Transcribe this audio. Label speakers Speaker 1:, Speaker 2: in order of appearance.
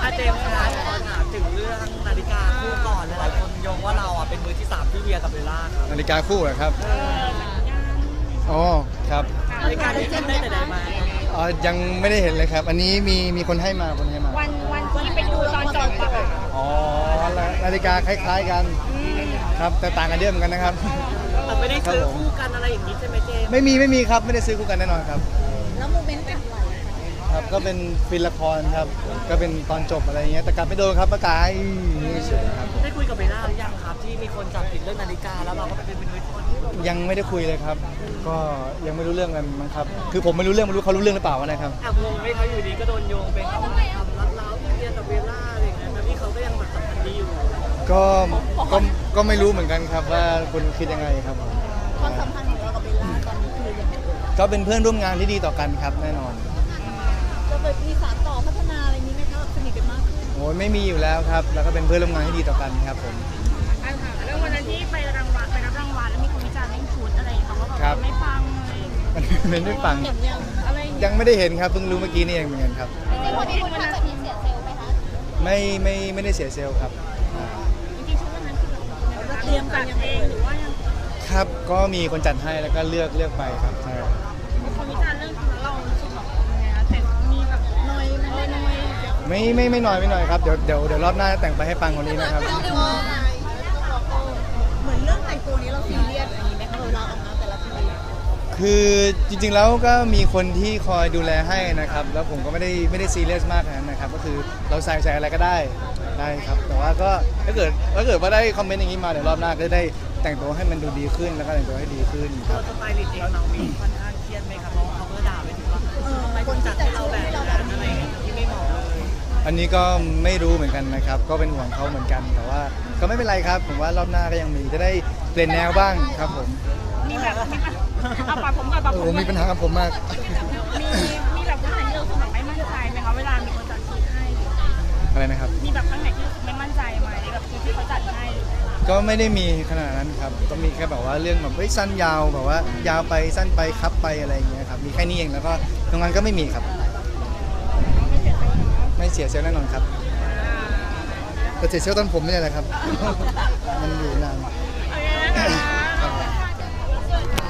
Speaker 1: เจมส์คะขอถามถึงเรื่องนาฬิกาคู่ก่อนหลายคนโยงว่าเราอ่ะเป็นมือที่3ที่เวียกับเบลล่าครับ
Speaker 2: นาฬิกาคู่เหรอครับอ๋อครับ
Speaker 1: นาฬิกาที่เจมส์ได้แต่ไหนมา
Speaker 2: อ๋อยังไม่ได้เห็นเลยครับอันนี้มีคนให้มา
Speaker 3: วันที่ไปดูตอนจบอะค่ะ
Speaker 2: อ๋อนาฬิกาคล้ายๆกันครับแต่ต่างกันเยอะเหมือนกันนะครับ
Speaker 1: แต่ไม่ได้ซื้อคู่กันอะไรอย่างนี้ใช่ไหมเจมส์
Speaker 2: ไม่มีครับไม่ได้ซื้อคู่กันแน่นอนครับ
Speaker 3: แล้วโมเมนต์แบบไหน
Speaker 2: ครับก็เป็นฟิล์มละครครับก็เป็นตอนจบอะไรเงี้ยแต่กลับไม่โดนครับประกายเฉยครับ
Speaker 1: ได้คุยกับเบลล่าหรือยังครับที่มีคนจับผิดเรื่องนาฬิกาแล้วเราก็ไปเป็นมือที่
Speaker 2: ยังไม่ได้คุยเลยครับก็ยังไม่รู้เรื่องกันมั้งครับคือผมไม่รู้เรื่องไม่รู้เขารู้เรื่องหรือเปล่านะครับ
Speaker 1: แอบงงไหมเขาอยู่ดีก็โดนโยงเป็นเขาทำรัดเล้าที่เวียกับเบลล่าอะไรอย่างเงี้ยแต่ที่เขาก็ยังแบบสัมพันธ์ดีอยู่
Speaker 2: ก็ก็ไม่รู้เหมือนกันครับว่าคุณคิดยังไงครับ
Speaker 3: ความสัมพันธ์ของเรากับเบลล่าตอนนี้คือยังไง
Speaker 2: ก็เป็นเพื่อนร่วมงานที่ดีต่อกันครับแน่นอน
Speaker 3: จะไปมีสานต่อพัฒนาอะไรนี้ไหมคะสนิทกันมากขึ้น
Speaker 2: โอ้ยไม่มีอยู่แล้วครับแล้วก็เป็นเพื่อนร่วมงานที่ดีต่อกันครับผม
Speaker 4: เรื่องวันนั้นที่ไปรับรางวัลแล้วมีคนวิจารณ์เรื่องชุดอะไรเขาก็บอกไม่ฟังเลย
Speaker 2: ไม่ฟังยังไม่ได้เห็นครับเพิ่งรู้เมื่อกี้นี่เองเหมือนกันครับ
Speaker 3: วันนี้คุณทำแบบนี้เสียเซลล์ไหมคะ
Speaker 2: ไม่ได้เสียเซลล์ครับ
Speaker 4: จริงๆชุดวันนั้นคือเราเตรียมกันเองหรือว่ายัง
Speaker 2: ครับก็มีคนจัดให้แล้วก็เลือกไปครับใช่
Speaker 4: คนวิจารณ์เรื่องชุดเรารู้สึกแบบยังไงคะแต่มีแบบน้อย
Speaker 2: ไม่น้อยครับเดี๋ยวรอบหน้าแต่งไปให้ปังกว่านี้นะครับ
Speaker 3: เหมือนเรื่องแต่งตัวนี้เราซีเรียสอะไรนี้ไหมคะเราออกมาแต่ละที
Speaker 2: คือจริงๆแล้วก็มีคนที่คอยดูแลให้นะครับแล้วผมก็ไม่ได้ซีเรียสมากนะครับก็คือเราใส่อะไรก็ได้ครับแต่ว่าก็ถ้าเกิดว่าได้คอมเมนต์อย่างนี้มาเดี๋ยวรอบหน้าก็จะได้แต่งตัวให้มันดูดีขึ้นแล้วก็แต่งตัวให้ดีขึ้นครับ
Speaker 1: สไตลิสต์เองน้องมีค่อนข้างเครียดไหมครับเพราะเขาก็ด่าไปถึงว่าคนจัดให้เราแบบอะไรที่ไม่เหมาะเลย
Speaker 2: อันนี้ก็ไม่รู้เหมือนกันนะครับก็เป็นห่วงเขาเหมือนกันแต่ว่าก็ไม่เป็นไรครับผมว่ารอบหน้าก็ยังมีจะได้เปลี่ยนแนวบ้างครับผม
Speaker 4: มีแบบเอาปากผมกับปากผม
Speaker 2: มีปัญหากับผมมาก
Speaker 4: มีแบบข้างไหนที่เราสึกแบบไม่มั่นใจไหมคะเวลามีคนจัดชุดให้
Speaker 2: อะไรนะครับ
Speaker 4: มีแบบข้างไหนที่ไม่มั่นใจไหมแบบชุดที่เขาจัดให้
Speaker 2: ก็ไม่ได้มีขนาดนั้นครับก็มีแค่แบบว่าเรื่องแบบสั้นยาวแบบว่ายาวไปสั้นไปครับไปอะไรอย่างเงี้ยครับมีแค่นี้เองแล้วก็ตรงนั้นก็ไม่มีครับไม่เสียเซลล์แน่นอนครับแต่เสียเซลล์ตอนผมไม่ใช่แหละครับมันอยู่นาน